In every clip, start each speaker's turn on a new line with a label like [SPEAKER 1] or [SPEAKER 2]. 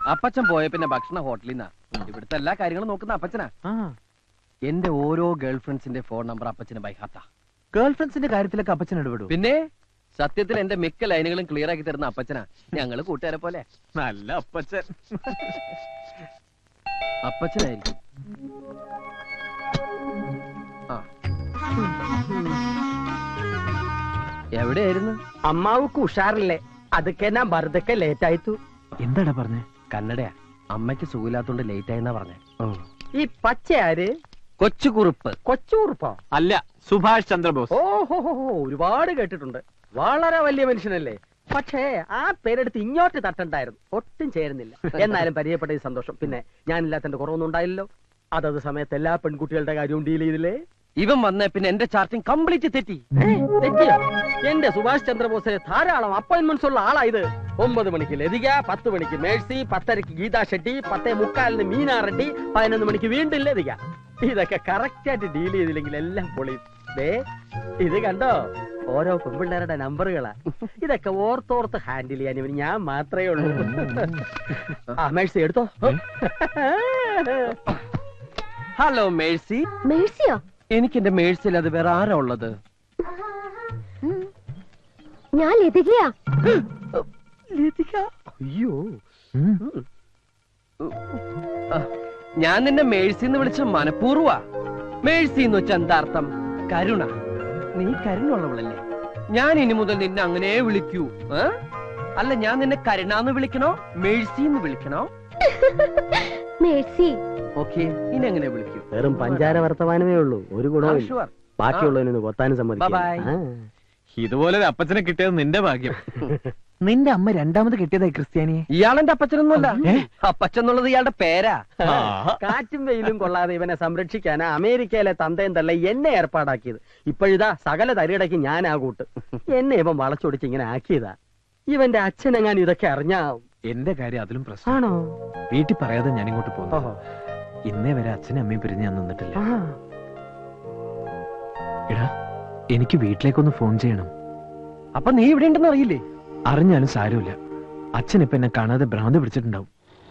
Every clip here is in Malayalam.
[SPEAKER 1] അപ്പച്ചൻ പോയ പിന്നെ ഭക്ഷണ ഹോട്ടലിൽ നിന്നാ. ഇവിടുത്തെ എല്ലാ കാര്യങ്ങളും നോക്കുന്ന അപ്പച്ചനാ. എന്റെ ഓരോ ഗേൾ ഫ്രണ്ട്സിന്റെ ഫോൺ നമ്പർ അപ്പച്ചന് ബൈഹാത്താ.
[SPEAKER 2] ഗേൾ ഫ്രണ്ട്സിന്റെ കാര്യത്തിലൊക്കെ അപ്പച്ചൻ ഇടപെടും.
[SPEAKER 1] പിന്നെ സത്യത്തിൽ എന്റെ മിക്ക ലൈനുകളും ക്ലിയർ ആക്കി തരുന്ന അപ്പച്ചനാ. ഞങ്ങള് കൂട്ടുകാരെ പോലെ.
[SPEAKER 2] നല്ല അപ്പച്ചൻ.
[SPEAKER 1] അപ്പച്ചനായിരിക്കും. എവിടെയായിരുന്നു?
[SPEAKER 3] അമ്മാവുക്ക് ഉഷാറില്ലേ? അതൊക്കെ ഞാൻ വെറുതെ ലേറ്റ് ആയിത്തു.
[SPEAKER 2] എന്താടാ പറഞ്ഞേ?
[SPEAKER 1] കന്നഡയാ. അമ്മയ്ക്ക് സുഖമില്ലാത്തോണ്ട് ലേറ്റ് ആയെന്നാ പറഞ്ഞേ.
[SPEAKER 3] ഈ പച്ച ആര്?
[SPEAKER 1] കൊച്ചുകുറുപ്പ്.
[SPEAKER 3] കൊച്ചുകുറുപ്പോ?
[SPEAKER 2] അല്ല, സുഭാഷ് ചന്ദ്രബോസ്.
[SPEAKER 3] ഓഹോ, ഒരുപാട് കേട്ടിട്ടുണ്ട്. വളരെ വലിയ മനുഷ്യനല്ലേ? പക്ഷേ ആ പേരെടുത്ത് ഇങ്ങോട്ട് തട്ടണ്ടായിരുന്നു. ഒട്ടും ചേരുന്നില്ല. എന്നാലും പരിചയപ്പെട്ട സന്തോഷം. പിന്നെ ഞാനില്ലാത്തന്റെ കുറവൊന്നും ഉണ്ടായില്ലല്ലോ. അതത് സമയത്ത് എല്ലാ പെൺകുട്ടികളുടെ കാര്യവും ഡീൽ ചെയ്തില്ലേ?
[SPEAKER 1] ഇവൻ വന്നേ പിന്നെ എന്റെ ചാർട്ടിങ് കംപ്ലീറ്റ് തെറ്റി.
[SPEAKER 3] തെറ്റിയോ? എന്റെ സുഭാഷ് ചന്ദ്രബോസിന് ധാരാളം അപ്പോയിന്റ്മെന്റ്സ് ഉള്ള ആളായത്. 9 മണിക്ക് ലതിക, 10 മണിക്ക് മേഴ്സി, 10:30 ഗീതാ ഷെട്ടി, 10:45 മീനാ റെഡ്ഡി, 11 മണിക്ക് വീണ്ടും ലതിക. ഇതൊക്കെ കറക്റ്റ് ആയിട്ട് ഡീൽ ചെയ്തില്ലെങ്കിൽ എല്ലാം പൊളിയും. ഇത് കണ്ടോ, ഓരോ പെൺപിള്ളേരുടെ നമ്പറുകളാ. ഇതൊക്കെ ഓർത്തോർത്ത് ഹാൻഡിൽ ചെയ്യാൻ ഇവന് ഞാൻ മാത്രമേ ഉള്ളൂ. ആ മേഴ്സി എടുത്തോ.
[SPEAKER 1] Hello Mercy.
[SPEAKER 4] മേഴ്സിയോ?
[SPEAKER 1] എനിക്ക് എന്റെ മേഴ്സിൽ അത് വേറെ ആരാ ഉള്ളത്?
[SPEAKER 4] ഞാൻ ലതികയാ.
[SPEAKER 3] അയ്യോ,
[SPEAKER 1] ഞാൻ നിന്നെ മേഴ്സിന്ന് വിളിച്ച മനഃപൂർവ്വാ. മേഴ്സി എന്ന് വെച്ച എന്താർത്ഥം? കരുണ. നീ കരുണുള്ളവളല്ലേ? ഞാൻ ഇനി മുതൽ നിന്നെ അങ്ങനെ വിളിക്കൂ. അല്ല, ഞാൻ നിന്നെ കരുണാന്ന് വിളിക്കണോ മേഴ്സിന്ന് വിളിക്കണോ?
[SPEAKER 4] മേഴ്സി.
[SPEAKER 1] ഓക്കെ, ഇനി എങ്ങനെ വിളിക്കൂ?
[SPEAKER 3] വെറും പഞ്ചാര വർത്തമാനമേ ഉള്ളൂ. ഒരു ഗുണവും ബാക്കിയുള്ളതിനൊന്ന് കൊത്താനും സമ്മതിക്കും.
[SPEAKER 2] ഇതുപോലെ ഒരു അപ്പച്ചനെ കിട്ടിയത് നിന്റെ ഭാഗ്യം. നിന്റെ അമ്മ രണ്ടാമത് കിട്ടിയതായി ക്രിസ്ത്യാനിയെ.
[SPEAKER 1] ഇയാളെന്റെ അപ്പച്ചനൊന്നുമല്ല. അപ്പച്ചെന്നുള്ളത് ഇയാളുടെ പേരാ.
[SPEAKER 3] കാറ്റും വെയിലും കൊള്ളാതെ ഇവനെ സംരക്ഷിക്കാനാ അമേരിക്കയിലെ തന്തയും തള്ള എന്നെ ഏർപ്പാടാക്കിയത്. ഇപ്പോഴിതാ സകല തലയിടയ്ക്ക് ഞാൻ ആ കൂട്ട്. എന്നെ ഇവൻ വളച്ചൊടിച്ച് ഇങ്ങനെ ആക്കിയതാ. ഇവന്റെ അച്ഛനെങ്ങാൻ ഇതൊക്കെ അറിഞ്ഞാ.
[SPEAKER 2] എന്റെ കാര്യം അതിലും പ്രശ്നമാണോ? വീട്ടിൽ പറയാതെ ഞാൻ ഇങ്ങോട്ട് പോകുന്നു. ഇന്നേ വരെ അച്ഛനും അമ്മയും പിരിഞ്ഞ് ഞാൻ നിന്നിട്ടില്ല. എടാ, എനിക്ക് വീട്ടിലേക്കൊന്ന് ഫോൺ ചെയ്യണം.
[SPEAKER 1] അപ്പൊ നീ ഇവിടെ ഉണ്ടെന്ന് അറിയില്ലേ?
[SPEAKER 2] അറിഞ്ഞാലും സാരമില്ല. അച്ഛൻ ഇപ്പൊ എന്നെ കാണാതെ ഭ്രാന്ത് പിടിച്ചിട്ടുണ്ടാവും.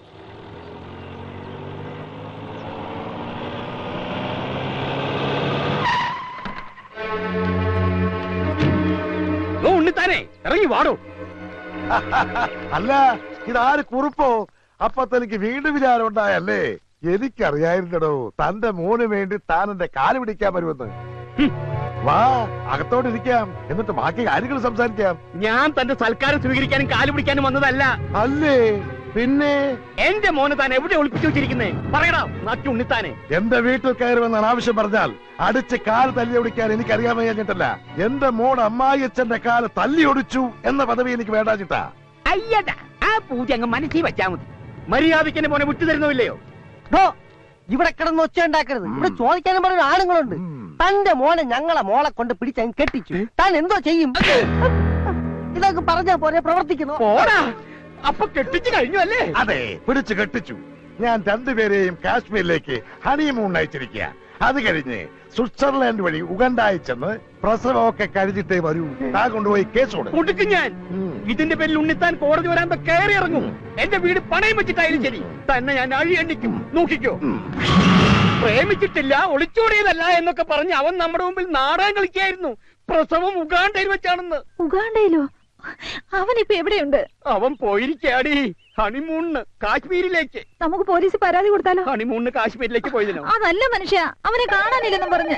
[SPEAKER 3] ഉണ്ണിത്താനെ ഇറങ്ങി വാടോ.
[SPEAKER 5] അല്ല, ഇതാര് കുറുപ്പോ? അപ്പൊ തനിക്ക് വീണ്ടും വിചാരം ഉണ്ടായല്ലേ? എനിക്കറിയായിരുന്നടോ തന്റെ മോന് വേണ്ടി താൻ എന്റെ കാല് പിടിക്കാൻ വരുമെന്ന്. വാ, അകത്തോട്ടിരിക്കാം, എന്നിട്ട് ബാക്കി കാര്യങ്ങൾ സംസാരിക്കാം.
[SPEAKER 3] ഞാൻ തന്റെ സൽക്കാരം സ്വീകരിക്കാനും കാല് പിടിക്കാനും വന്നതല്ല.
[SPEAKER 5] അല്ലേ പിന്നെ?
[SPEAKER 3] എന്റെ മോന് താൻ എവിടെ ഒളിപ്പിച്ചു വെച്ചിരിക്കുന്നേ? പറയടാ നാട്ടി ഉണ്ണിത്താനെ.
[SPEAKER 5] എന്റെ വീട്ടിൽ കയറുമെന്നാണ് ആവശ്യം പറഞ്ഞാൽ അടിച്ച് കാല് തല്ലി ഒടിക്കാൻ എനിക്കറിയാൻ വയ്യാഞ്ഞിട്ടല്ല. എന്റെ മോൻ അമ്മായിയച്ഛന്റെ കാല് തല്ലി ഒടിച്ചു എന്ന പദവി എനിക്ക് വേണ്ടാച്ചിട്ടാ.
[SPEAKER 3] അയ്യടാ, ആ പൂജ അങ്ങ് മനസ്സിൽ വെച്ചാ മതി. മര്യാദയ്ക്ക് എന്നെ മോനെ വിട്ടു തരുന്നില്ലയോ?
[SPEAKER 6] ഇവിടെ കിടന്ന് ഒച്ച ഉണ്ടാക്കരുത്. ഇവിടെ ചോദിക്കാനും പറഞ്ഞ ആണുങ്ങളുണ്ട്. തന്റെ മോനെ ഞങ്ങളെ മോളെ കൊണ്ട് പിടിച്ചങ്ങ് കെട്ടിച്ചു. താൻ എന്തോ ചെയ്യും? ഇതൊക്കെ പറഞ്ഞാ പോലെ പ്രവർത്തിക്കുന്നു.
[SPEAKER 3] അപ്പൊ കെട്ടിച്ചു കഴിഞ്ഞു അല്ലേ?
[SPEAKER 5] അതെ, പിടിച്ചു കെട്ടിച്ചു. ഞാൻ രണ്ടുപേരെയും കാശ്മീരിലേക്ക് ഹണിമൂൺ അയച്ചിരിക്കുക. അത് കഴിഞ്ഞ് സ്വിറ്റ്സർലാൻഡ് വഴി ഉഗണ്ട അയച്ചെന്ന് പ്രസവമൊക്കെ കഴിഞ്ഞിട്ടേ വരൂ. താൻ കൊണ്ടുപോയി കേസ് കൊടുക്കും.
[SPEAKER 3] ഞാൻ ഇതിന്റെ പേരിൽ ഉണ്ണിത്താൻ കോടതി വരാൻ കയറി ഇറങ്ങും. എന്റെ വീട് പണയം വെച്ചിട്ടായാലും ശരി, തന്നെ ഞാൻ അഴി എണ്ണിക്കും. നോക്കിക്കോ. പ്രേമിച്ചിട്ടില്ല, ഒളിച്ചോടിയതല്ല എന്നൊക്കെ പറഞ്ഞ് അവൻ നമ്മുടെ മുമ്പിൽ നാടകം കളിക്കായിരുന്നു. പ്രസവം ഉഗാണ്ടയിൽ വെച്ചാണെന്ന്.
[SPEAKER 4] ഉഗാണ്ടയിലോ? അവനിപ്പോ എവിടെയുണ്ട്?
[SPEAKER 3] അവൻ പോയിരിക്കാടി ഹണിമൂണിന് കാശ്മീരിലേക്ക്.
[SPEAKER 4] നമുക്ക് പോലീസ് പരാതി കൊടുത്താലോ?
[SPEAKER 3] ഹണിമൂണിന് കാശ്മീരിലേക്ക് പോയതിനോ?
[SPEAKER 4] അതല്ല മനുഷ്യ, അവനെ കാണാനില്ലെന്നും പറഞ്ഞ്.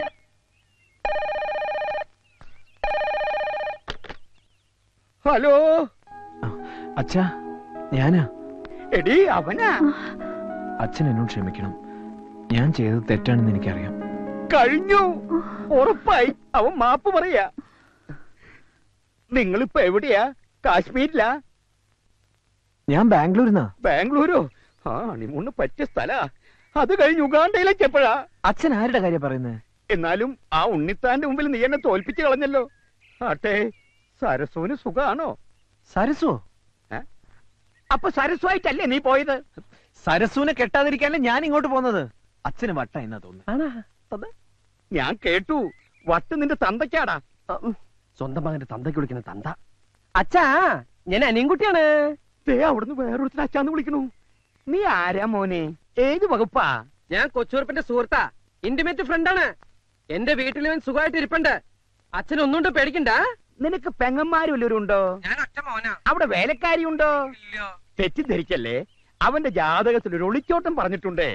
[SPEAKER 3] ഹലോ
[SPEAKER 2] അച്ഛാ, ഞാനാ.
[SPEAKER 3] എടി അവനാ.
[SPEAKER 2] അച്ഛൻ എന്നോട് ക്ഷമിക്കണം. ഞാൻ ചെയ്തത് തെറ്റാണെന്ന് എനിക്കറിയാം.
[SPEAKER 3] കഴിഞ്ഞു, ഉറപ്പായി. അവൻ മാപ്പ് പറയാ. നിങ്ങളിപ്പോ എവിടെയാ? കാശ്മീരിലാ?
[SPEAKER 2] ഞാൻ ബാംഗ്ലൂരിന്നാ.
[SPEAKER 3] ബാംഗ്ലൂരോ? ആ, ഹണിമൂണിന് പറ്റിയ സ്ഥലാ. അത് കഴിഞ്ഞ് ഉഗാണ്ടയിലേക്ക് എപ്പോഴാ?
[SPEAKER 2] അച്ഛൻ ആരുടെ കാര്യം പറയുന്നത്?
[SPEAKER 3] എന്നാലും ആ ഉണ്ണിത്താന്റെ മുമ്പിൽ നീ എന്നെ തോൽപ്പിച്ചു കളഞ്ഞല്ലോ. ആട്ടെ, സരസുവിന് സുഖാണോ?
[SPEAKER 2] സരസോ?
[SPEAKER 3] അപ്പൊ സരസുവായിട്ടല്ലേ നീ പോയത്?
[SPEAKER 2] സരസുവിനെ കെട്ടാതിരിക്കാനല്ലേ ഞാൻ ഇങ്ങോട്ട് പോകുന്നത്. അച്ഛന് വട്ട എന്നാ തോന്നുന്നു.
[SPEAKER 3] ഞാൻ കേട്ടു. വട്ട് നിന്റെ തന്തയ്ക്കാടാ.
[SPEAKER 1] സ്വന്തം മകന്റെ തന്തയ്ക്ക് വിളിക്കുന്ന തന്ത. അച്ഛാ, ഞാൻ അനിയൻകുട്ടിയാണ്.
[SPEAKER 3] അവിടുന്ന് വേറൊരുത്തിന് അച്ഛാന്ന് വിളിക്കണു.
[SPEAKER 7] നീ ആരാ മോനെ? ഏത് വകുപ്പാ?
[SPEAKER 1] ഞാൻ കൊച്ചൂർപ്പിന്റെ സുഹൃത്താ, ഇന്റിമേറ്റ് ഫ്രണ്ടാണ്. എന്റെ വീട്ടിൽ ഇവൻ സുഖമായിട്ട് ഇരിപ്പുണ്ട്. അച്ഛൻ ഒന്നുകൊണ്ട് പേടിക്കണ്ട.
[SPEAKER 7] നിനക്ക് പെങ്ങന്മാരും വല്ലവരുണ്ടോ?
[SPEAKER 1] ഞാൻ ഒറ്റ മോനാ.
[SPEAKER 7] അവിടെ വേലക്കാരി ഉണ്ടോ? തെറ്റിദ്ധരിക്കല്ലേ, അവന്റെ ജാതകത്തിൽ ഒരു ഒളിച്ചോട്ടം പറഞ്ഞിട്ടുണ്ടേ.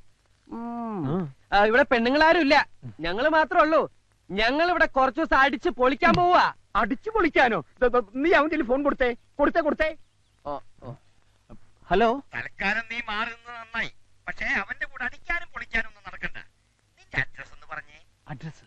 [SPEAKER 1] ഇവിടെ പെണ്ണുങ്ങളാരും ഇല്ല, ഞങ്ങള് മാത്രമേ ഉള്ളൂ. ഞങ്ങൾ ഇവിടെ കുറച്ചു ദിവസം അടിച്ച് പൊളിക്കാൻ പോവാ.
[SPEAKER 7] അടിച്ചു പൊളിക്കാനോ? നീ അവന്റെ ഫോൺ കൊടുത്തേ.
[SPEAKER 1] ഹലോ,
[SPEAKER 7] തൽക്കാലം നീ മാറുന്നത് നന്നായി. പക്ഷേ അവന്റെ കൂടെ അടിക്കാനും പൊളിക്കാനും ഒന്നും നടക്കണ്ട. നിന്റെ അഡ്രസ് ഒന്ന് പറഞ്ഞേ.
[SPEAKER 1] Address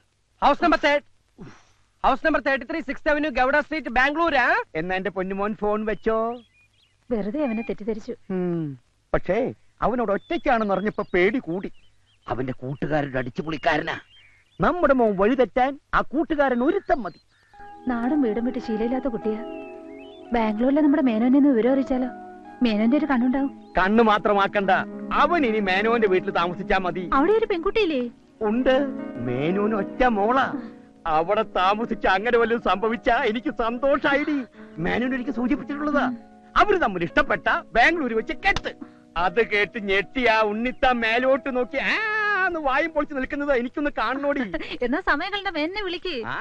[SPEAKER 1] house number 33 6th Avenue, Gowda street, ബാംഗ്ലൂരാ.
[SPEAKER 7] എന്നാ എന്റെ പൊന്നുമോൻ ഫോൺ വെച്ചോ.
[SPEAKER 4] വെറുതെ അവനെ തെറ്റിദ്ധരിച്ചു.
[SPEAKER 7] പക്ഷേ അവനോട് ഒറ്റയ്ക്കാണെന്ന് അറിഞ്ഞപ്പോ പേടി കൂടി. അവന്റെ കൂട്ടുകാരുടെ അടിച്ചുപൊളിക്കാരനാ. നമ്മുടെ മോൻ വഴി തെറ്റാൻ ആ കൂട്ടുകാരൻ ഒരുത്തം മതി.
[SPEAKER 4] നാടും വീടും വിട്ട് ശീലമില്ലാത്ത കുട്ടിയാ. ബാംഗ്ലൂരിലെ നമ്മുടെ മേനോനെ ഒന്ന് വിവരം അറിയിച്ചാലോ? മേനോന്റെ ഒരു കണ്ണുണ്ടാവും.
[SPEAKER 7] കണ്ണ് മാത്രമാക്കണ്ട, അവൻ ഇനി മേനോന്റെ വീട്ടിൽ താമസിച്ചാ മതി.
[SPEAKER 4] അവിടെ ഒരു പെൺകുട്ടിയില്ലേ?
[SPEAKER 7] ഉണ്ട്, മേനോന് ഒറ്റ മോളാ. അവിടെ താമസിച്ച അങ്ങനെ വല്ലതും സംഭവിച്ചാ എനിക്ക് സന്തോഷായിടി. മേനോൻ എനിക്ക് സൂചിപ്പിച്ചിട്ടുള്ളതാ. അവര് തമ്മിൽ ഇഷ്ടപ്പെട്ട ബാംഗ്ലൂർ വെച്ച് കെട്ട്. അത് കേട്ട് ഞെട്ടി ആ ഉണ്ണിത്ത മേലോട്ട് നോക്കി ആന്ന് വായും പൊളിച്ച് നിൽക്കുന്നത് എനിക്കൊന്ന് കാണണോടി.
[SPEAKER 4] എന്നാ സമയങ്ങളുടെ എന്നെ വിളിക്ക്.
[SPEAKER 7] ആ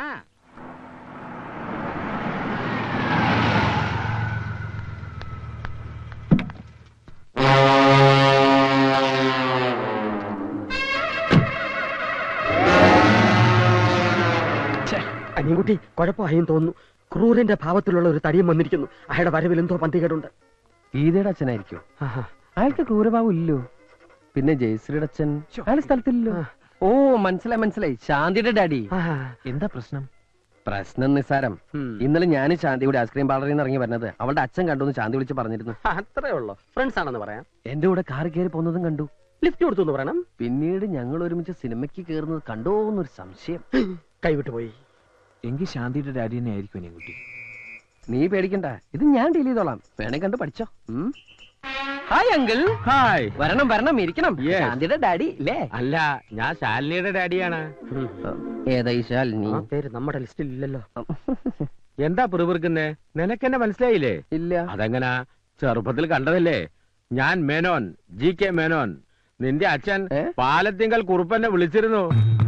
[SPEAKER 7] അനിയൻകുട്ടി കുഴപ്പമായും തോന്നുന്നു. ക്രൂരന്റെ ഭാവത്തിലുള്ള ഒരു തടിയും വന്നിരിക്കുന്നു. അയാളുടെ വരവിൽ എന്തോ പന്തികേടുണ്ട്.
[SPEAKER 1] ഗീതയുടെ അച്ഛനായിരിക്കും. അയാൾക്ക് ക്രൂരഭാവം ഇല്ലോ. പിന്നെ ജയശ്രീയുടെ അച്ഛൻ അയാൾ സ്ഥലത്തില്ലല്ലോ. ഓ, മനസ്സിലായി, ശാന്തിയുടെ ഡാഡി.
[SPEAKER 2] എന്താ പ്രശ്നം?
[SPEAKER 1] പ്രശ്നം നിസ്സാരം. ഇന്നലെ ഞാൻ ശാന്തിയുടെ ഐസ്ക്രീം പാർലറിൽ നിന്ന് ഇറങ്ങി വരുന്നത് അവളുടെ അച്ഛൻ കണ്ടു. ശാന്തി വിളിച്ച് പറഞ്ഞിരുന്നു.
[SPEAKER 3] അത്രേ ഉള്ളൂ. ഫ്രണ്ട്സ് ആണെന്ന് പറയാം.
[SPEAKER 1] എന്റെ കൂടെ കാർ കയറി പോകുന്നതും കണ്ടു.
[SPEAKER 3] ലിഫ്റ്റ് കൊടുത്തു എന്ന് പറയണം.
[SPEAKER 1] പിന്നീട് ഞങ്ങൾ ഒരുമിച്ച് സിനിമയ്ക്ക് കയറുന്നത് കണ്ടോ എന്നൊരു സംശയം.
[SPEAKER 3] കൈവിട്ടു പോയി.
[SPEAKER 2] എങ്കിൽ ശാന്തിയുടെ ഡാഡി തന്നെ ആയിരിക്കും അനിയൻകുട്ടി.
[SPEAKER 1] നീ പേടിക്കണ്ട, ഇത് ഞാൻ ഡീൽ ചെയ്തോളാം. വേണേ കണ്ട് പഠിച്ചോ. Hi uncle.
[SPEAKER 7] ഹായ്.
[SPEAKER 1] വരണം ഇരിക്കണം.
[SPEAKER 7] Yes.
[SPEAKER 1] ശാന്തിയുടെ ഡാഡി അല്ലേ?
[SPEAKER 7] അല്ല, ഞാൻ ശാലിനിയുടെ ഡാഡിയാണ്.
[SPEAKER 1] ഏതാ ഈ ശാലിനി?
[SPEAKER 3] ആ പേര് നമ്മുടെ ലിസ്റ്റിൽ ഇല്ലല്ലോ.
[SPEAKER 7] എന്താ പിറുപിറുക്കുന്നേ? നിനക്കെന്നെ മനസ്സിലായില്ലേ?
[SPEAKER 1] ഇല്ല.
[SPEAKER 7] അതെങ്ങനാ? ചെറുപ്പത്തിൽ കണ്ടതല്ലേ. ഞാൻ മേനോൻ, GK മേനോൻ. നിന്റെ അച്ഛൻ പാലത്തിങ്കൽ കുറുപ്പന്നെ വിളിച്ചിരുന്നു.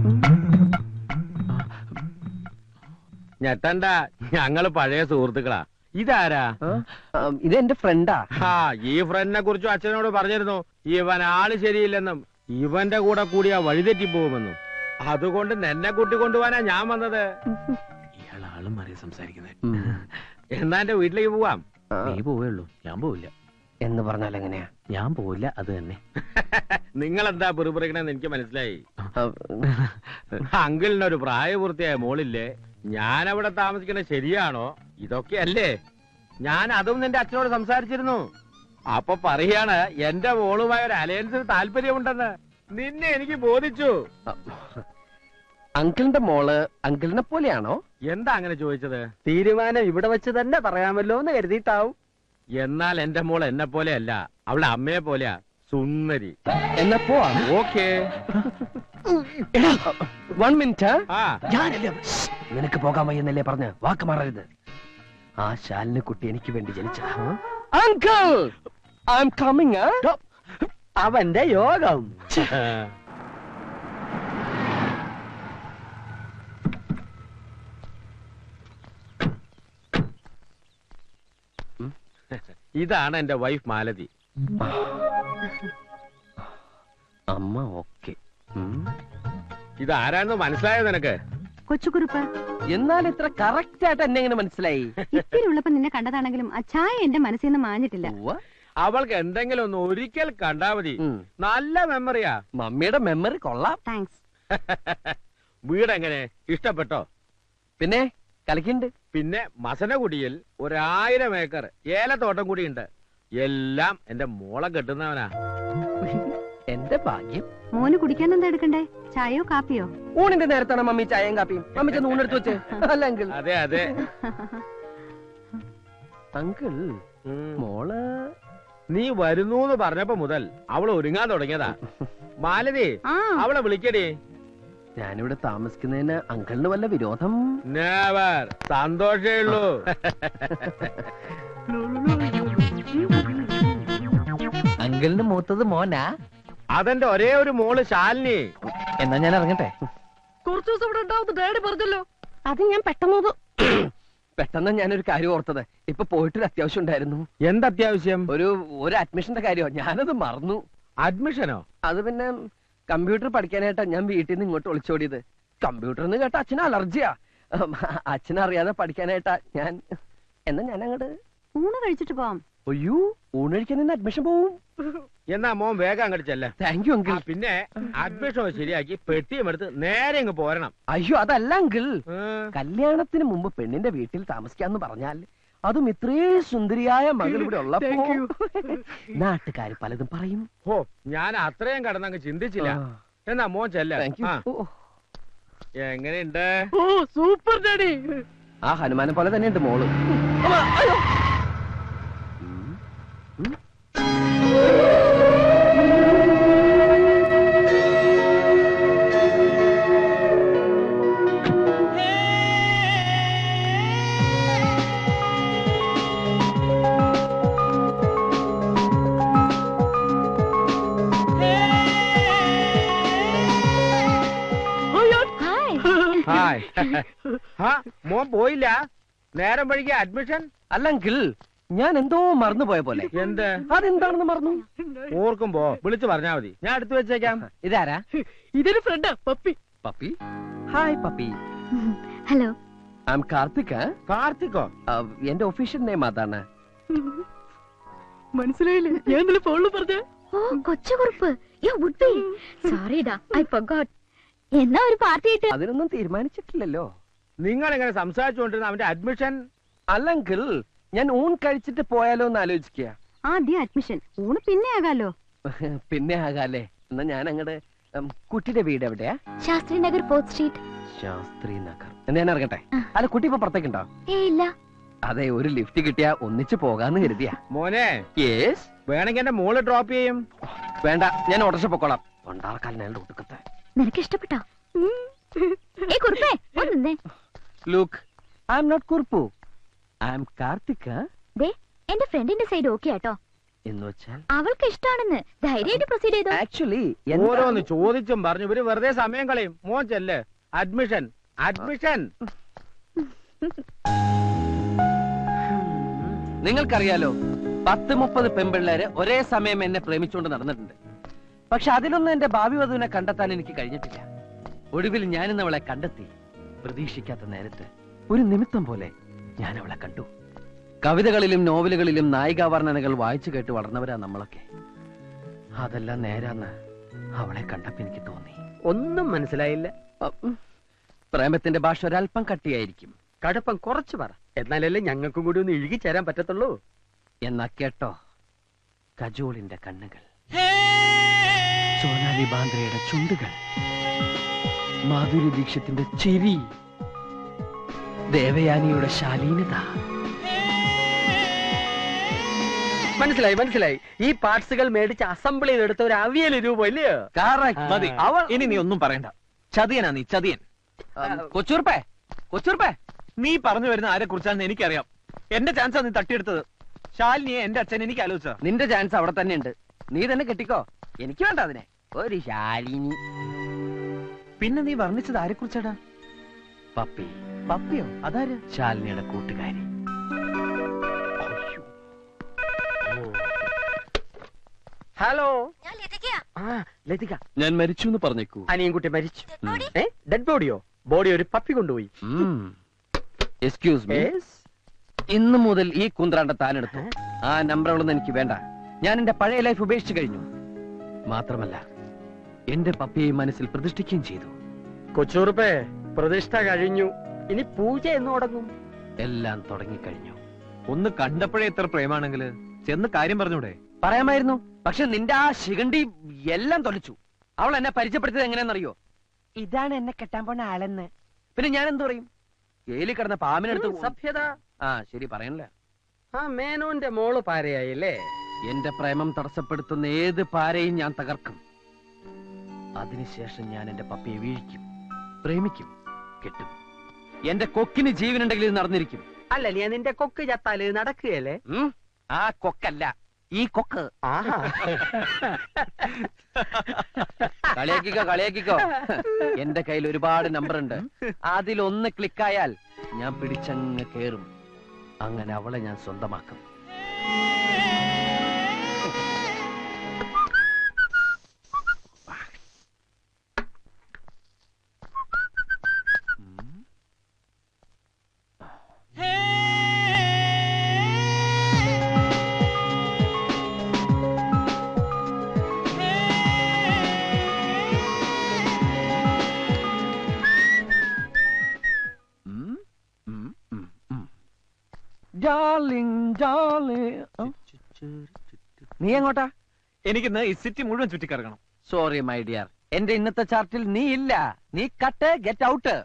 [SPEAKER 7] ഞെട്ടണ്ട, ഞങ്ങള് പഴയ സുഹൃത്തുക്കളാ. ഇതാരാ?
[SPEAKER 1] ഇത് എന്റെ ഫ്രണ്ടാ.
[SPEAKER 7] ഈ ഫ്രണ്ടിനെ കുറിച്ചും അച്ഛനോട് പറഞ്ഞിരുന്നു. ഇവൻ ആള് ശരിയില്ലെന്നും ഇവന്റെ കൂടെ കൂടിയാ വഴിതെറ്റി പോകുമെന്നും. അതുകൊണ്ട് നിന്നെ കൂട്ടിക്കൊണ്ടുപോവാനാ ഞാൻ വന്നത്.
[SPEAKER 2] ഇയാൾ ആളും മാറി സംസാരിക്കുന്നത്.
[SPEAKER 7] എന്നാ എന്റെ വീട്ടിലേക്ക് പോവാം.
[SPEAKER 2] നീ പോവുള്ളൂ, ഞാൻ പോവില്ല.
[SPEAKER 1] എന്ന് പറഞ്ഞാൽ എങ്ങനെയാ?
[SPEAKER 2] ഞാൻ പോവില്ല, അത് തന്നെ.
[SPEAKER 7] നിങ്ങൾ എന്താ പിറുപിറുക്കണെന്ന് എനിക്ക് മനസ്സിലായി. അങ്കിളിനൊരു പ്രായപൂർത്തിയായ മോളില്ലേ? ഞാൻ അവിടെ താമസിക്കുന്നത് ശരിയാണോ? ഇതൊക്കെയല്ലേ? ഞാൻ അതും നിന്റെ അച്ഛനോട് സംസാരിച്ചിരുന്നു. അപ്പൊ പറയാണ് എന്റെ മോളുമായ ഒരു അലയൻസിന് താല്പര്യമുണ്ടെന്ന്. നിന്നെ എനിക്ക് ബോധിച്ചു.
[SPEAKER 1] അങ്കിളിന്റെ മോള് അങ്കിളിനെ പോലെയാണോ?
[SPEAKER 7] എന്താ അങ്ങനെ ചോദിച്ചത്?
[SPEAKER 3] തീരുമാനം ഇവിടെ വെച്ച് തന്നെ പറയാമല്ലോ എന്ന് കരുതിയിട്ടാവും.
[SPEAKER 7] എന്നാൽ എന്റെ മോൾ എന്നെ പോലെയല്ല, അവളെ അമ്മയെ പോലെയാ. സുന്ദരി.
[SPEAKER 1] എന്നാ പോവാ.
[SPEAKER 7] ഓക്കേ.
[SPEAKER 1] 1 മിനിറ്റ്.
[SPEAKER 7] ആ,
[SPEAKER 1] നിനക്ക് പോകാൻ വയ്യെന്നല്ലേ പറഞ്ഞ് വാക്ക് മാറരുത്. ആ ശാലിനി കുട്ടി എനിക്ക് വേണ്ടി ജനിച്ചതാ. Uncle, I am coming.
[SPEAKER 3] അവന്റെ യോഗം.
[SPEAKER 7] ഇതാണ് എന്റെ വൈഫ് മാലതി.
[SPEAKER 1] അമ്മ ഓക്കെ.
[SPEAKER 7] ഇതാരാന്ന് മനസ്സിലായോ നിനക്ക്?
[SPEAKER 8] കൊച്ചുകുറുപ്പ്,
[SPEAKER 1] എന്നാൽ ഇത്ര കറക്റ്റ് ആയിട്ട് എന്നെ എങ്ങനെ മനസ്സിലായി?
[SPEAKER 8] ഇത്തിരി ഉള്ളപ്പോ നിന്നെ കണ്ടതാണെങ്കിലും ആ ചായ എന്റെ മനസ്സിൽ നിന്ന് മാഞ്ഞിട്ടില്ല.
[SPEAKER 1] ഉവ്വ.
[SPEAKER 7] അവൾക്ക് എന്തെങ്കിലും ഒന്ന് ഒരിക്കൽ കണ്ടാ മതി. നല്ല മെമ്മറിയാ.
[SPEAKER 1] മമ്മിയുടെ മെമ്മറി കൊള്ളാം.
[SPEAKER 8] താങ്ക്സ്.
[SPEAKER 7] വീടെങ്ങനെ ഇഷ്ടപ്പെട്ടോ?
[SPEAKER 1] പിന്നെ കളിക്കുന്നുണ്ട്.
[SPEAKER 7] പിന്നെ മസനഗുഡിയിൽ 1000 ഏക്കർ ഏലത്തോട്ടം കൂടിയുണ്ട്. എല്ലാം എന്റെ മോളെ കെട്ടുന്നവനാ.
[SPEAKER 1] എന്റെ ഭാഗ്യം.
[SPEAKER 8] മോന് കുടിക്കാൻ എന്താ എടുക്കണ്ടേ? ചായയോ കാപ്പിയോ?
[SPEAKER 1] ഊണിന്റെ നേരത്താണ് മമ്മി ചായയും കാപ്പിയും. മമ്മി ചെന്ന് ഊണെടുത്ത് വെച്ച്. അല്ല അങ്കിൾ.
[SPEAKER 7] അതെ അതെ.
[SPEAKER 1] അങ്കിൾ, മോള്
[SPEAKER 7] നീ വരുന്നൂന്ന് പറഞ്ഞപ്പോ മുതൽ അവള് ഒരുങ്ങാൻ തുടങ്ങിയതാ. മാലതി, അവളെ വിളിക്കടി.
[SPEAKER 1] ഞാനിവിടെ താമസിക്കുന്നതിന് അങ്കിളിന് വല്ല വിരോധം?
[SPEAKER 7] നെവർ. സന്തോഷേ ഉള്ളൂ.
[SPEAKER 2] അങ്കിൾ
[SPEAKER 1] അങ്കിളിന് മൂത്തത് മോനാ?
[SPEAKER 7] അതെന്റെ ഒരേ ഒരു മോള് ശാലിനി.
[SPEAKER 1] എന്നാ ഞാൻ ഇറങ്ങട്ടെ.
[SPEAKER 3] കുറച്ചു ദിവസം ഇവിടെ ഉണ്ടാവും ഡാഡി പറഞ്ഞല്ലോ. അത് ഞാൻ
[SPEAKER 1] പെട്ടെന്ന് ഞാനൊരു കാര്യം ഓർത്തത്. ഇപ്പൊ പോയിട്ടൊരു അത്യാവശ്യം ഉണ്ടായിരുന്നു.
[SPEAKER 7] എന്തത്യാവശ്യം?
[SPEAKER 1] ഒരു അഡ്മിഷന്റെ കാര്യമോ, ഞാനത് മറന്നു.
[SPEAKER 7] അഡ്മിഷനോ?
[SPEAKER 1] അത് പിന്നെ കമ്പ്യൂട്ടർ പഠിക്കാനായിട്ടാ ഞാൻ വീട്ടിൽ നിന്ന് ഇങ്ങോട്ട് ഒളിച്ചോടിയത്. കമ്പ്യൂട്ടർ എന്ന് കേട്ട അച്ഛന് അലർജിയാ. അച്ഛനറിയാതെ പഠിക്കാനായിട്ടാ ഞാൻ. എന്നാ ഞാൻ അങ്ങോട്ട്
[SPEAKER 8] ഊണ് കഴിച്ചിട്ട് പോവാം.
[SPEAKER 1] അയ്യോ, ഊണഴിക്കാൻ നിന്ന് അഡ്മിഷൻ പോവും.
[SPEAKER 7] എന്നാ മോൻ വേഗം അങ്ങോട്ട് ചെല്ലേ.
[SPEAKER 1] Thank you uncle.
[SPEAKER 7] പിന്നെ അഡ്മിഷൻ ശരിയാക്കി പെട്ടിയും എടുത്ത് നേരെ ഇങ്ങ് പോരണം.
[SPEAKER 1] അയ്യോ അതല്ല അങ്കിൾ, കല്യാണത്തിന് മുമ്പ് പെണ്ണിന്റെ വീട്ടിൽ താമസിക്കാന്ന് പറഞ്ഞാൽ അതും ഇത്രയും സുന്ദരിയായ മകൾ ഇവിടെ ഉള്ളപ്പോ നാട്ടുകാര് പലതും പറയും.
[SPEAKER 7] ഓ, ഞാൻ അത്രയും കടന്നങ്ങ് ചിന്തിച്ചില്ല. എന്നാ മോൻ ചെല്ല. എങ്ങനെയുണ്ട്?
[SPEAKER 3] Super daddy.
[SPEAKER 1] ആ ഹനുമാനെ പോലെ തന്നെയുണ്ട് മോള്.
[SPEAKER 7] ഹായ്. മോൻ പോയില്ല? നേരം വഴിക്ക് അഡ്മിഷൻ?
[SPEAKER 1] അല്ലെങ്കിൽ ഞാൻ എന്തോ മറന്നുപോയ പോലെ.
[SPEAKER 7] എന്ത്?
[SPEAKER 1] അതെന്താണെന്ന് മറന്നു.
[SPEAKER 7] ഓർക്കുമ്പോ വിളിച്ചു പറഞ്ഞാ മതി, ഞാൻ എടുത്തു വെച്ചേക്കാം.
[SPEAKER 1] ഇതാരാ?
[SPEAKER 3] ഇതൊരു ഫ്രണ്ടാ, puppy.
[SPEAKER 1] Puppy? Hi puppy.
[SPEAKER 8] Hello,
[SPEAKER 1] I am Karthik.
[SPEAKER 7] കാർത്തിക്കോ?
[SPEAKER 1] എന്റെ ഒഫീഷ്യൽ നെയിം അതാണ്.
[SPEAKER 3] മനസ്സിലായില്ലേ? ഞാൻ ഇന്നലെ ഫോണിൽ പറഞ്ഞ.
[SPEAKER 8] ഓ കൊച്ചുകുറുപ്പ്. സോറിടാ, ഐ ഫർഗോട്ട്. എന്നാ ഒരു പാർട്ടി ആയിട്ട്?
[SPEAKER 1] അതിനൊന്നും തീരുമാനിച്ചിട്ടില്ലല്ലോ.
[SPEAKER 7] നിങ്ങൾ എങ്ങനെ സംസാരിച്ചുകൊണ്ടിരുന്ന അവന്റെ അഡ്മിഷൻ?
[SPEAKER 1] അല്ലെങ്കിൽ ഞാൻ ഊൺ കഴിച്ചിട്ട് പോയാലോ എന്ന് ആലോചിക്കുക.
[SPEAKER 8] ആദ്യം അഡ്മിഷൻ, ഊണ് പിന്നെ ആകാലോ.
[SPEAKER 1] പിന്നെ ആകാലേ. എന്നാ ഞാൻ അങ്ങടെ കുട്ടിയുടെ വീട് എവിടെയാ?
[SPEAKER 8] Shastri Nagar, 4th street.
[SPEAKER 1] ശാസ്ത്രി നഗർ. എന്നാ ഞാൻ ഇറങ്ങട്ടെ? അല്ല, കുട്ടി ഇപ്പൊ പുറത്തേക്കുണ്ടോ?
[SPEAKER 8] ഇല്ല.
[SPEAKER 1] അതെ, ഒരു ലിഫ്റ്റ് കിട്ടിയാ ഒന്നിച്ച് പോകാന്ന് കരുതിയാ.
[SPEAKER 7] മോനെ,
[SPEAKER 1] യേസ്.
[SPEAKER 7] വേണമെങ്കിൽ എന്റെ മോള് ഡ്രോപ്പ് ചെയ്യും.
[SPEAKER 1] വേണ്ട, ഞാൻ ഓട്ടോറിക്ഷ പൊക്കോളാം. കൊണ്ടാർക്കാലിനാളുടെ ഒടുക്കത്തെ.
[SPEAKER 8] നിനക്ക് ഇഷ്ടപ്പെട്ടോ? കുറുപ്പേ ഒന്നേ.
[SPEAKER 1] Look, I am not Kurup, I am Karthik.
[SPEAKER 8] ദേ, എന്റെ ഫ്രണ്ടിന്റെ സൈഡ് ഓക്കെ ആട്ടോ.
[SPEAKER 1] എന്ന് വെച്ചാൽ
[SPEAKER 8] അവൾക്ക് ഇഷ്ടാണെന്ന്. ധൈര്യമായിട്ട് പ്രൊസീഡ് ചെയ്തോ.
[SPEAKER 1] ആക്ച്വലി
[SPEAKER 7] ഓരോന്ന് ചോദിച്ചും പറഞ്ഞു ഇവര് വെറുതെ സമയം കളയും. മോൻ ചെല്ല്. Admission, admission.
[SPEAKER 1] നിങ്ങൾക്കറിയാലോ, 10-30 പെൺപിള്ളേര് ഒരേ സമയം എന്നെ പ്രേമിച്ചുകൊണ്ട് നടന്നിട്ടുണ്ട്. പക്ഷെ അതിലൊന്നും എന്റെ ഭാവി വധുവിനെ കണ്ടെത്താൻ എനിക്ക് കഴിഞ്ഞിട്ടില്ല. ഒടുവിൽ ഞാനിന്ന് അവളെ കണ്ടെത്തി. പ്രതീക്ഷിക്കാത്ത നേരത്ത് ഒരു നിമിത്തം പോലെ ഞാൻ അവളെ കണ്ടു. കവിതകളിലും നോവലുകളിലും നായികാവർണ്ണനകൾ വായിച്ചു കേട്ട് വളർന്നവരാ നമ്മളൊക്കെ. അതെല്ലാം നേരാന്ന് അവളെ കണ്ടപ്പോ എനിക്ക് തോന്നി.
[SPEAKER 3] ഒന്നും മനസ്സിലായില്ല.
[SPEAKER 1] പ്രേമത്തിന്റെ ഭാഷ ഒരല്പം കട്ടിയായിരിക്കും.
[SPEAKER 3] കടുപ്പം കുറച്ച് പറ, എന്നാലല്ലേ ഞങ്ങൾക്കും കൂടി ഒന്ന് ഇഴുകി ചേരാൻ പറ്റത്തുള്ളൂ.
[SPEAKER 1] എന്നാ കേട്ടോ, കജോളിന്റെ കണ്ണുകൾ, സോനാലി ബാന്ദ്രയുടെ ചുണ്ടുകൾ, മാധുരി ദീക്ഷത്തിന്റെ ചിരി, ദേവയാനിയുടെ ശാലീനത.
[SPEAKER 3] മനസ്സിലായി മനസ്സിലായി. ഈ പാർട്സുകൾ മേടിച്ച് അസംബിൾ ചെയ്തെടുത്ത ഒരു അവിയൽ രൂപം ഇല്ലയോ?
[SPEAKER 2] മതി. ഇനി നീ ഒന്നും പറയണ്ട. ചതിയനാ നീ, ചതിയൻ.
[SPEAKER 1] കൊച്ചൂർപ്പേ, കൊച്ചൂർപ്പേ,
[SPEAKER 2] നീ പറഞ്ഞു വരുന്ന ആരെ കുറിച്ചാണെന്ന് എനിക്കറിയാം. എന്റെ ചാൻസാ നീ തട്ടിയെടുത്തത്. ശാലിനിയെ എന്റെ അച്ഛൻ എനിക്ക് ആലോചിച്ച.
[SPEAKER 1] നിന്റെ ചാൻസ് അവിടെ തന്നെ ഉണ്ട്. നീ തന്നെ കെട്ടിക്കോ. എനിക്ക് വേണ്ട അതിനെ. ഒരു ശാലിനി.
[SPEAKER 2] പിന്നെ നീ വർണ്ണിച്ചത് ആരെ കുറിച്ചാടാ?
[SPEAKER 1] പപ്പി.
[SPEAKER 2] പപ്പിയോ? അതാര്?
[SPEAKER 1] ശാലിനിയുടെ കൂട്ടുകാരി.
[SPEAKER 3] ഹലോ,
[SPEAKER 8] ലതിക.
[SPEAKER 1] ഞാൻ മരിച്ചു എന്ന് പറഞ്ഞേക്കൂ.
[SPEAKER 3] അനിയൻകുട്ടി മരിച്ചു. ഡെഡ് ബോഡിയോ? ബോഡി ഒരു പപ്പി കൊണ്ടുപോയി.
[SPEAKER 1] Excuse me. ഇന്നു മുതൽ ഈ കുന്ത്രാണ്ട താനെടുത്തു. ആ നമ്പറുകളൊന്നും എനിക്ക് വേണ്ട. ഞാൻ എന്റെ പഴയ ലൈഫ് ഉപേക്ഷിച്ചു കഴിഞ്ഞു. മാത്രമല്ല, എന്റെ പപ്പിയെ മനസ്സിൽ പ്രതിഷ്ഠിക്കുകയും ചെയ്തു.
[SPEAKER 3] കൊച്ചൂറുപ്പേ, പ്രതിഷ്ഠ കഴിഞ്ഞു. ഇനി പൂജ എന്ന് തുടങ്ങും.
[SPEAKER 1] എല്ലാം തുടങ്ങിക്കഴിഞ്ഞു.
[SPEAKER 2] ഒന്ന് കണ്ടപ്പോഴേ എത്ര പ്രേമാണെങ്കിൽ ചെന്ന് കാര്യം പറഞ്ഞൂടെ?
[SPEAKER 1] പറയാമായിരുന്നു. പക്ഷെ നിന്റെ ആ ശിഖണ്ഡി എല്ലാം തൊലച്ചു. അവൾ എന്നെ പരിചയപ്പെടുത്തിയത് എങ്ങനെയാണെന്നറിയോ? ഇതാണ് എന്നെ കെട്ടാൻ പോണ ആളെന്ന്. പിന്നെ ഞാൻ എന്തു പറയും? ജയിലിൽ കിടന്ന പാമ്പിനെടുത്ത്
[SPEAKER 3] സഭ്യത.
[SPEAKER 1] ആ ശരി, പറയണില്ല.
[SPEAKER 3] ആ മേനോന്റെ മോള് പാരയായില്ലേ?
[SPEAKER 1] എന്റെ പ്രേമം തടസ്സപ്പെടുത്തുന്ന ഏത് പാരയും ഞാൻ തകർക്കും. അതിനുശേഷം ഞാൻ എന്റെ പപ്പിയെ വീഴിക്കും, പ്രേമിക്കും, കെട്ടും. എന്റെ കൊക്കിന് ജീവനുണ്ടെങ്കിൽ ഇത് നടന്നിരിക്കും.
[SPEAKER 3] അല്ല, നീ നിന്റെ കൊക്ക് ചത്താല് നടക്കുകയല്ലേ?
[SPEAKER 1] ആ കൊക്കല്ല,
[SPEAKER 6] ഈ കൊക്ക്.
[SPEAKER 3] ആഹാ.
[SPEAKER 1] കളിയാക്കിക്കോ എന്റെ കയ്യിൽ ഒരുപാട് നമ്പർ ഉണ്ട്. അതിലൊന്ന് ക്ലിക്കായാൽ ഞാൻ പിടിച്ചങ്ങ് കേറും. അങ്ങനെ അവളെ ഞാൻ സ്വന്തമാക്കും. നീ എങ്ങോട്ടാ?
[SPEAKER 2] എനിക്കിന്ന് ഈ സിറ്റി മുഴുവൻ ചുറ്റിക്കറങ്ങണം.
[SPEAKER 1] സോറി മൈ ഡിയർ, എന്റെ ഇന്നത്തെ ചാർട്ടിൽ നീ ഇല്ല. നീ കട്ട്, ഗെറ്റ് ഔട്ട്.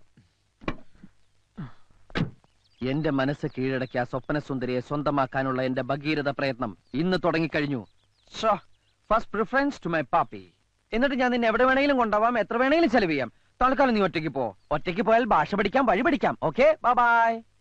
[SPEAKER 1] എന്റെ മനസ്സ് കീഴടക്കിയ സ്വപ്ന സുന്ദരിയെ സ്വന്തമാക്കാനുള്ള എന്റെ ഭഗീരഥ പ്രയത്നം ഇന്ന് തുടങ്ങിക്കഴിഞ്ഞു. First preference to my puppy. എന്നിട്ട് ഞാൻ നിന്നെ എവിടെ വേണമെങ്കിലും കൊണ്ടുപോവാം, എത്ര വേണമെങ്കിലും ചെലവ് ചെയ്യാം. തൽക്കാലം നീ ഒറ്റയ്ക്ക് പോ. ഒറ്റയ്ക്ക് പോയാൽ ഭാഷ പഠിക്കാം, വഴി പഠിക്കാം. Okay, bye by.